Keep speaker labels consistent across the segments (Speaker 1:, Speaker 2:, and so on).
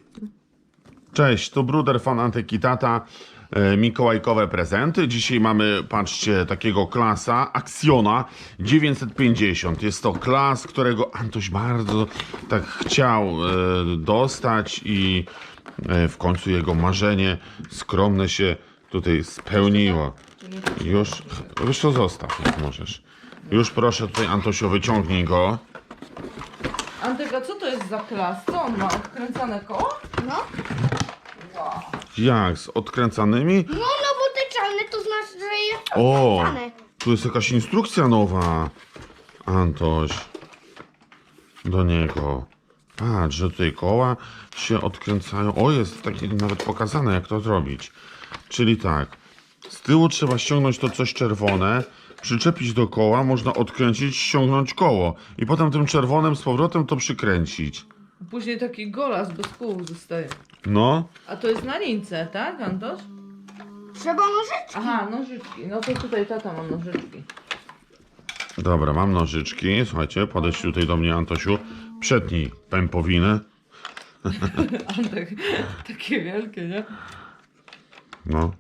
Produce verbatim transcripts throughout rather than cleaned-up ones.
Speaker 1: Cześć, tu Bruder Fan Antyki Tata. E, Mikołajkowe prezenty. Dzisiaj mamy, patrzcie, takiego klasa Actiona dziewięćset pięćdziesiąt. Jest to klas, którego Antoś bardzo tak chciał e, dostać i e, w końcu jego marzenie skromne się tutaj spełniło. Już, już to zostaw, jak możesz. Już proszę tutaj, Antosio, wyciągnij go.
Speaker 2: Antek, a co to jest za klas? Co on ma? Odkręcane koło?
Speaker 3: No.
Speaker 2: Wow.
Speaker 1: Jak? Z odkręcanymi?
Speaker 3: No, no bo te czarne to znaczy, że jest
Speaker 1: O!
Speaker 3: odkręcane.
Speaker 1: Tu jest jakaś instrukcja nowa. Antoś. Do niego. Patrz, że tutaj koła się odkręcają. O, jest takie nawet pokazane, jak to zrobić. Czyli tak. Z tyłu trzeba ściągnąć to coś czerwone, przyczepić do koła, można odkręcić, ściągnąć koło. I potem tym czerwonym z powrotem to przykręcić.
Speaker 2: Później taki golas bez kół zostaje.
Speaker 1: No.
Speaker 2: A to jest na lince, tak, Antoś?
Speaker 3: Trzeba nożyczki.
Speaker 2: Aha, nożyczki. No to tutaj tata ma nożyczki.
Speaker 1: Dobra, mam nożyczki. Słuchajcie, podejdź tutaj do mnie, Antosiu. Przetnij pępowinę.
Speaker 2: Antek, takie wielkie, nie?
Speaker 1: No.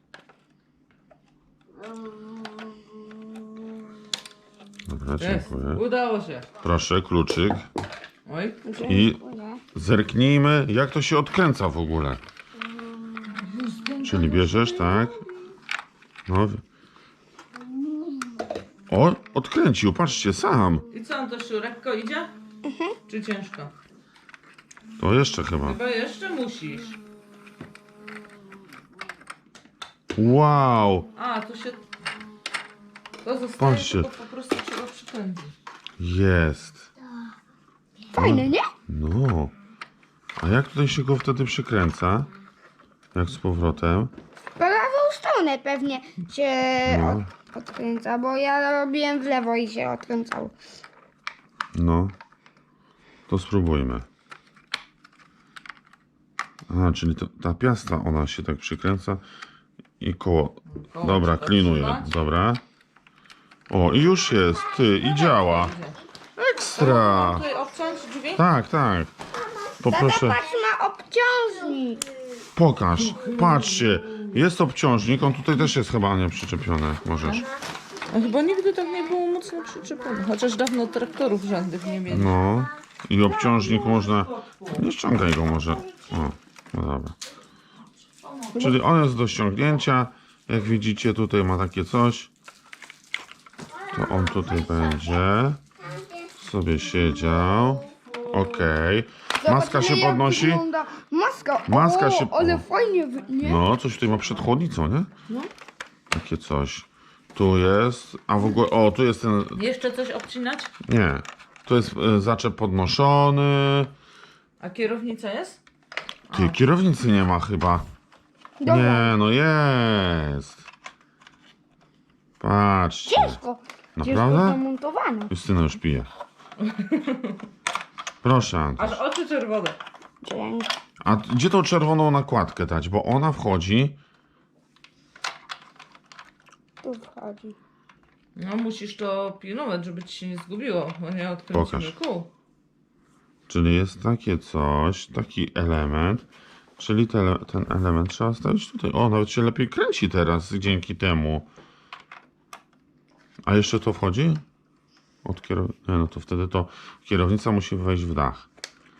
Speaker 1: Dobra,
Speaker 2: Jest.
Speaker 1: dziękuję.
Speaker 2: Udało się.
Speaker 1: Proszę, kluczyk.
Speaker 2: Oj.
Speaker 1: I
Speaker 3: Dziękuję.
Speaker 1: zerknijmy, jak to się odkręca w ogóle. Czyli bierzesz, tak? No. O, odkręcił, patrzcie, sam.
Speaker 2: I co, Antosiu, lekko idzie? Czy ciężko?
Speaker 1: To jeszcze chyba.
Speaker 2: Chyba jeszcze musisz.
Speaker 1: Wow,
Speaker 2: A, to się... To zostaje,
Speaker 1: Patrzcie.
Speaker 2: tylko po prostu trzeba przykręcić.
Speaker 1: jest.
Speaker 3: Fajne, nie?
Speaker 1: No. A jak tutaj się go wtedy przykręca? Jak z powrotem?
Speaker 3: W prawą stronę pewnie się
Speaker 1: No.
Speaker 3: od, odkręca, bo ja robiłem w lewo i się odkręcał.
Speaker 1: No. To spróbujmy. A, czyli to, ta piasta, ona się tak przykręca i koło.
Speaker 2: Koło
Speaker 1: Dobra,
Speaker 2: trzeba
Speaker 1: klinuję.
Speaker 2: trzymać.
Speaker 1: Dobra. O, i już jest, ty, i działa. Ekstra.
Speaker 2: Tutaj obciąć drzwi?
Speaker 1: Tak, tak.
Speaker 3: Tata,
Speaker 1: Poproszę,
Speaker 3: patrz, ma obciążnik.
Speaker 1: pokaż. Patrzcie, jest obciążnik, on tutaj też jest chyba nie przyczepiony. Możesz.
Speaker 2: A chyba nigdy tak nie było mocno przyczepione. Chociaż dawno traktorów żadnych nie mieli.
Speaker 1: No. I obciążnik można. Nie ściągaj go może. O, no dobra. Czyli on jest do ściągnięcia. Jak widzicie, tutaj ma takie coś. To on tutaj będzie sobie siedział. Okej. Maska się
Speaker 3: Zobaczymy, jak
Speaker 1: podnosi.
Speaker 3: wygląda Maska.
Speaker 1: Maska
Speaker 3: o,
Speaker 1: się-
Speaker 3: ale
Speaker 1: o.
Speaker 3: fajnie, wy- nie?
Speaker 1: No, coś tutaj ma przed chłodnicą, nie?
Speaker 3: No.
Speaker 1: Takie coś. Tu jest. A w ogóle. O, tu jest ten.
Speaker 2: Jeszcze coś obcinać?
Speaker 1: Nie. Tu jest e, zaczep podnoszony.
Speaker 2: A kierownica jest?
Speaker 1: Ty, kierownicy nie ma chyba.
Speaker 3: Dobra.
Speaker 1: Nie, no jest. Patrzcie.
Speaker 3: Ciężko. Ciężko
Speaker 1: Naprawdę?
Speaker 3: zamontowane.
Speaker 1: Justyna już pije. Proszę, Antoś.
Speaker 2: Aż oczy czerwone.
Speaker 3: Dzięki.
Speaker 1: A gdzie tą czerwoną nakładkę dać? Bo ona wchodzi.
Speaker 3: Tu wchodzi.
Speaker 2: No musisz to pilnować, żeby ci się nie zgubiło, bo nie odkręcimy
Speaker 1: Pokaż.
Speaker 2: kół.
Speaker 1: Czyli jest takie coś, taki element. Czyli te, ten element trzeba stawić tutaj. O, nawet się lepiej kręci teraz dzięki temu. A jeszcze to wchodzi? Od kierow... Nie, no to wtedy to kierownica musi wejść w dach.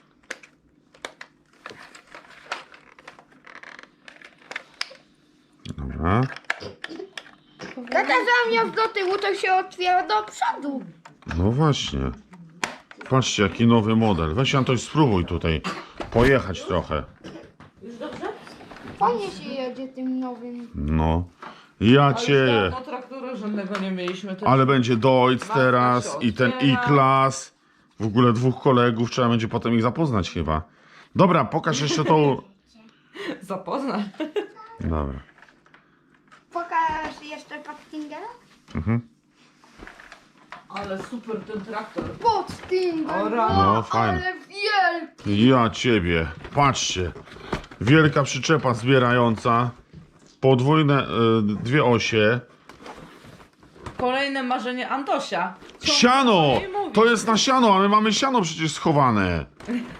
Speaker 1: Dobra.
Speaker 3: Tata zamiast do tyłu, to się otwiera do przodu.
Speaker 1: No właśnie. Patrzcie, jaki nowy model. Weź, Antoś, spróbuj tutaj pojechać trochę.
Speaker 2: Już dobrze?
Speaker 3: Fajnie się jedzie tym nowym.
Speaker 1: No. Ja
Speaker 2: A już
Speaker 1: cię.
Speaker 2: dawno traktora żadnego nie mieliśmy. To
Speaker 1: Ale będzie Deutz
Speaker 2: Maska
Speaker 1: teraz
Speaker 2: się
Speaker 1: i ten
Speaker 2: otwiera.
Speaker 1: I-Class. W ogóle dwóch kolegów, trzeba będzie potem ich zapoznać chyba. Dobra, pokaż jeszcze tą...
Speaker 2: Zapozna.
Speaker 1: Dobra.
Speaker 3: Pokaż jeszcze Pathfindera?
Speaker 1: Mhm.
Speaker 2: Ale super ten traktor.
Speaker 3: Pathfinder,
Speaker 2: O, rano.
Speaker 1: No, fajnie.
Speaker 3: ale wielki.
Speaker 1: Ja ciebie. Patrzcie. Wielka przyczepa zbierająca. Podwójne, y, dwie osie.
Speaker 2: Kolejne marzenie Antosia. Co
Speaker 1: Siano!
Speaker 2: on jej mówi?
Speaker 1: To jest na siano, a my mamy siano przecież schowane.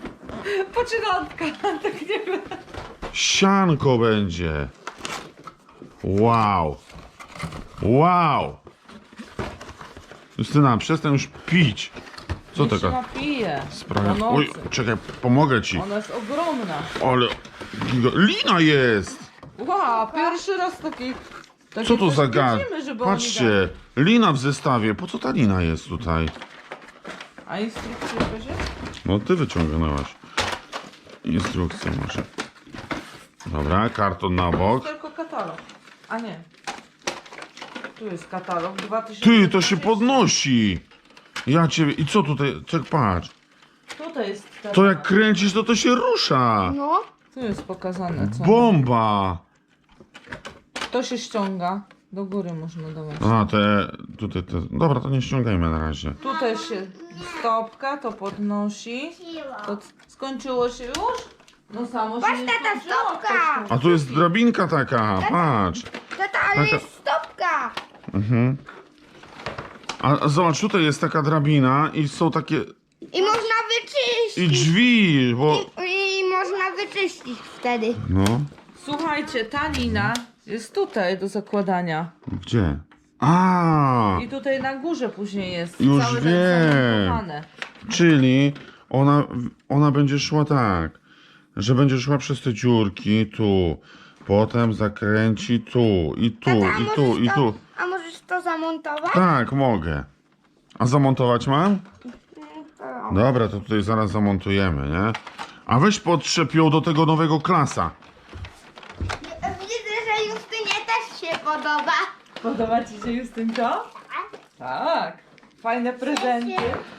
Speaker 2: Poczynanka, tak nie wiem.
Speaker 1: Sianko będzie. Wow. Wow. Justyna, przestań już pić. Co
Speaker 2: Niech się
Speaker 1: taka
Speaker 2: napije.
Speaker 1: sprawa?
Speaker 2: Po
Speaker 1: Oj,
Speaker 2: nocy.
Speaker 1: czekaj, pomogę ci.
Speaker 2: Ona jest ogromna.
Speaker 1: Ale giga- lina jest.
Speaker 2: Wow, pierwszy raz taki... taki
Speaker 1: Co to
Speaker 2: coś
Speaker 1: za gad?
Speaker 2: widzimy, żeby oni
Speaker 1: Patrzcie, lina w zestawie. Po co ta lina jest tutaj?
Speaker 2: dali. A instrukcja jakaś jest?
Speaker 1: No ty wyciągnęłaś. Instrukcję może. Dobra, karton na bok.
Speaker 2: Tylko katalog. A nie. Tu jest katalog dwa tysiące.
Speaker 1: Ty, to się podnosi. Ja ciebie... I co tutaj? Czek, patrz.
Speaker 2: Tutaj jest katalog.
Speaker 1: To jak kręcisz, to to się rusza.
Speaker 3: No.
Speaker 2: Tu jest pokazane co.
Speaker 1: Bomba.
Speaker 2: To się ściąga. Do góry można dawać.
Speaker 1: A, te... Tutaj te... Dobra, to nie ściągajmy na razie.
Speaker 2: Tutaj się stopka, to podnosi. To c- skończyło się już? No samo
Speaker 3: Patrz,
Speaker 2: się nie
Speaker 3: tata,
Speaker 2: skończyło.
Speaker 3: stopka!
Speaker 1: A tu jest drabinka taka, patrz.
Speaker 3: Tata, ale
Speaker 1: Taka-
Speaker 3: jest stopka!
Speaker 1: Mhm. A, a zobacz, tutaj jest taka drabina i są takie...
Speaker 3: I można wyczyścić.
Speaker 1: I drzwi, bo...
Speaker 3: I, I można wyczyścić wtedy.
Speaker 1: No,
Speaker 2: Słuchajcie, ta lina jest tutaj do zakładania.
Speaker 1: gdzie? A,
Speaker 2: I tutaj na górze później jest.
Speaker 1: Już
Speaker 2: całe tak
Speaker 1: wiem.
Speaker 2: zamontowane.
Speaker 1: czyli ona, ona będzie szła tak, że będzie szła przez te dziurki tu, potem zakręci tu, i tu,
Speaker 3: Tata, a
Speaker 1: i tu,
Speaker 3: możesz
Speaker 1: i
Speaker 3: to,
Speaker 1: tu.
Speaker 3: A możesz to zamontować?
Speaker 1: Tak, mogę. A zamontować mam? Dobra, to tutaj zaraz zamontujemy, nie? A weź podtrzep ją do tego nowego klasa.
Speaker 3: Widzę, że Justynie też się podoba.
Speaker 2: Podoba ci się Justynko? Tak. Fajne prezenty.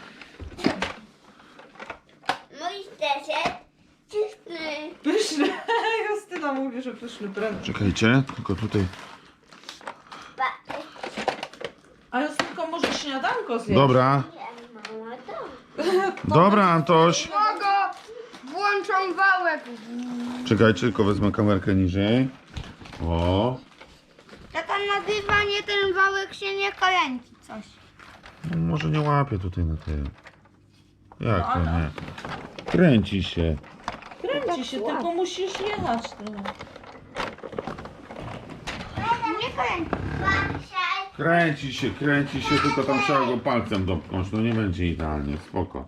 Speaker 3: Mój deser czysty.
Speaker 2: Pyszny. Justyna mówi, że pyszny prezent.
Speaker 1: Czekajcie, tylko tutaj.
Speaker 2: A Justynko może śniadanko zjeść?
Speaker 1: Dobra, dobra Antoś.
Speaker 3: Mogo, włączą wałek.
Speaker 1: Czekajcie, tylko wezmę kamerkę niżej. O,
Speaker 3: Tata nazywa nie ten wałek się nie kręci coś.
Speaker 1: no może nie łapię tutaj na tym. Jak to nie? Kręci się.
Speaker 2: Kręci się, tylko musisz jechać trochę.
Speaker 3: Nie kręci.
Speaker 1: Kręci się, kręci się, tylko tam trzeba go palcem dopchnąć. No nie będzie idealnie, spoko.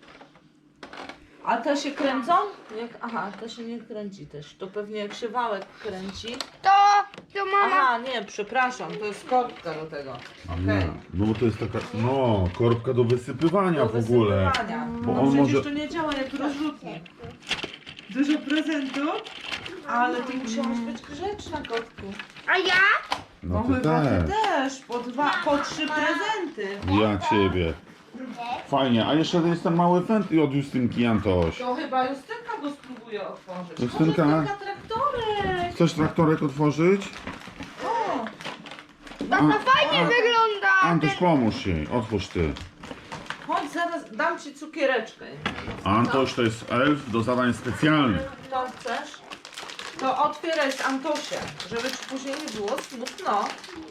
Speaker 2: A te się kręcą? Jak, aha, to się nie kręci też. To pewnie jak się wałek kręci.
Speaker 3: To, to mama.
Speaker 2: Aha, nie, przepraszam, to jest korbka do tego. Okej.
Speaker 1: No bo to jest taka, no, korbka do wysypywania
Speaker 2: Do
Speaker 1: w ogóle.
Speaker 2: wysypywania.
Speaker 1: Bo
Speaker 2: No
Speaker 1: on
Speaker 2: przecież
Speaker 1: może-
Speaker 2: to nie działa jak rozrzutnik. Dużo prezentów? Ale ty musiałaś być grzeczna, kotku.
Speaker 3: A ja?
Speaker 1: No ty
Speaker 2: chyba ty
Speaker 1: też.
Speaker 2: też. Po dwa, po trzy prezenty.
Speaker 1: Ja ciebie. Fajnie, a jeszcze jest ten mały fent od Justynki, Antoś.
Speaker 2: To chyba Justynka go spróbuje otworzyć.
Speaker 1: Justynka?
Speaker 2: O, Justynka traktorek.
Speaker 1: Chcesz traktorek otworzyć?
Speaker 2: O,
Speaker 3: To, to fajnie
Speaker 1: a-
Speaker 3: wygląda.
Speaker 1: Antoś, pomóż jej, otwórz ty.
Speaker 2: chodź, zaraz dam ci cukiereczkę.
Speaker 1: Antoś to jest elf do zadań specjalnych.
Speaker 2: To chcesz? To otwieraj z Antosia, żeby ci później nie było smutno.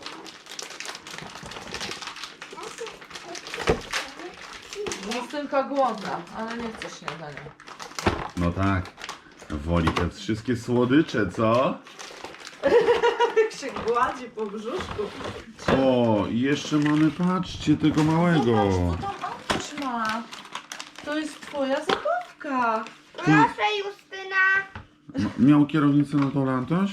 Speaker 2: Justynka głodna, ale nie chce śniadania.
Speaker 1: No tak, woli te wszystkie słodycze, co?
Speaker 2: Jak się gładzi po brzuszku.
Speaker 1: O, i jeszcze mamy, patrzcie, tego małego.
Speaker 2: Zobacz, co tam Antoś ma. To jest twoja zabawka.
Speaker 3: Proszę Justyna.
Speaker 1: M- Miał kierownicę na dole, Antoś?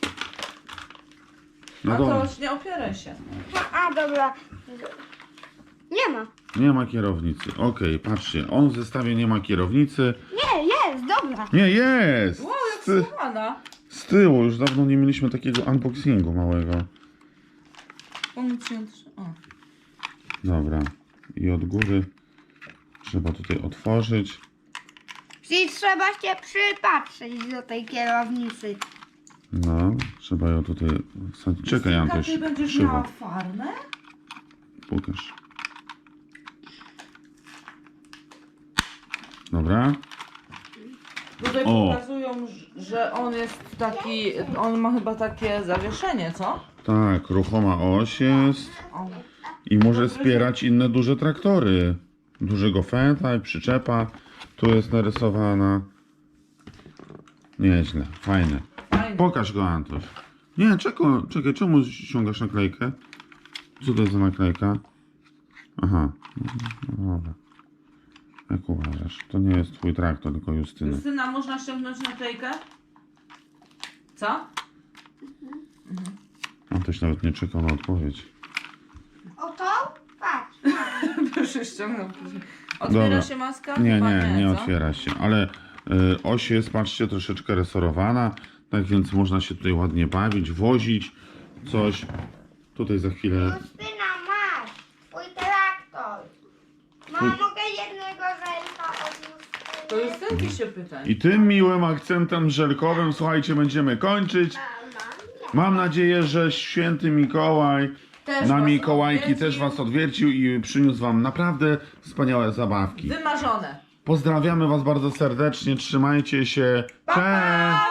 Speaker 1: Na dole.
Speaker 2: Antoś, nie opieraj się.
Speaker 3: A, a dobra. Nie ma.
Speaker 1: Nie ma kierownicy. Okej, patrzcie, on w zestawie nie ma kierownicy.
Speaker 3: Nie, jest, dobra.
Speaker 1: Nie, jest!
Speaker 2: Wow, jak
Speaker 1: Z, ty-
Speaker 2: schowana.
Speaker 1: z tyłu, już dawno nie mieliśmy takiego unboxingu małego.
Speaker 2: Pomóc ci otw- o.
Speaker 1: Dobra, i od góry trzeba tutaj otworzyć.
Speaker 3: Czyli trzeba się przypatrzeć do tej kierownicy.
Speaker 1: No, trzeba ją tutaj wsadzić. Czekaj,
Speaker 2: Justynka,
Speaker 1: Antoś,
Speaker 2: ty będziesz
Speaker 1: krzywo.
Speaker 2: miała farmę?
Speaker 1: Pokaż. Dobra.
Speaker 2: Tutaj
Speaker 1: O.
Speaker 2: pokazują, że on jest taki, on ma chyba takie zawieszenie, co?
Speaker 1: Tak, ruchoma oś jest
Speaker 2: O.
Speaker 1: i może wspierać inne duże traktory. Dużego fenta i przyczepa. Tu jest narysowana. Nieźle, fajne.
Speaker 2: Fajnie.
Speaker 1: Pokaż go, Antoś. Nie, czekaj, czekaj, czemu ściągasz naklejkę? Co to jest za naklejka? Aha, no dobra. Jak uważasz? To nie jest twój traktor, tylko Justyny.
Speaker 2: Justyna, można ściągnąć naklejkę? Co?
Speaker 1: Antoś nawet nie czekał na odpowiedź.
Speaker 3: O to? Patrz.
Speaker 2: Proszę ściągnął później. Otwiera
Speaker 1: Dobra.
Speaker 2: się maska?
Speaker 1: Nie,
Speaker 2: Chyba
Speaker 1: nie, nie
Speaker 2: co?
Speaker 1: otwiera się, ale y, oś jest, patrzcie, troszeczkę resorowana, tak więc można się tutaj ładnie bawić, wozić coś. Tutaj za chwilę...
Speaker 3: Justyna, masz. Twój traktor. Mamo, mogę jednego żelka od Justyny?
Speaker 2: To Justynki się pytaj.
Speaker 1: I tym miłym akcentem żelkowym, słuchajcie, będziemy kończyć.
Speaker 3: Mama,
Speaker 1: Mam nadzieję, że święty Mikołaj
Speaker 2: Też
Speaker 1: na
Speaker 2: was
Speaker 1: Mikołajki
Speaker 2: odwiedził.
Speaker 1: też was odwiercił i przyniósł wam naprawdę wspaniałe zabawki.
Speaker 2: Wymarzone.
Speaker 1: Pozdrawiamy was bardzo serdecznie, trzymajcie się.
Speaker 2: Pa, pa!
Speaker 1: Cześć!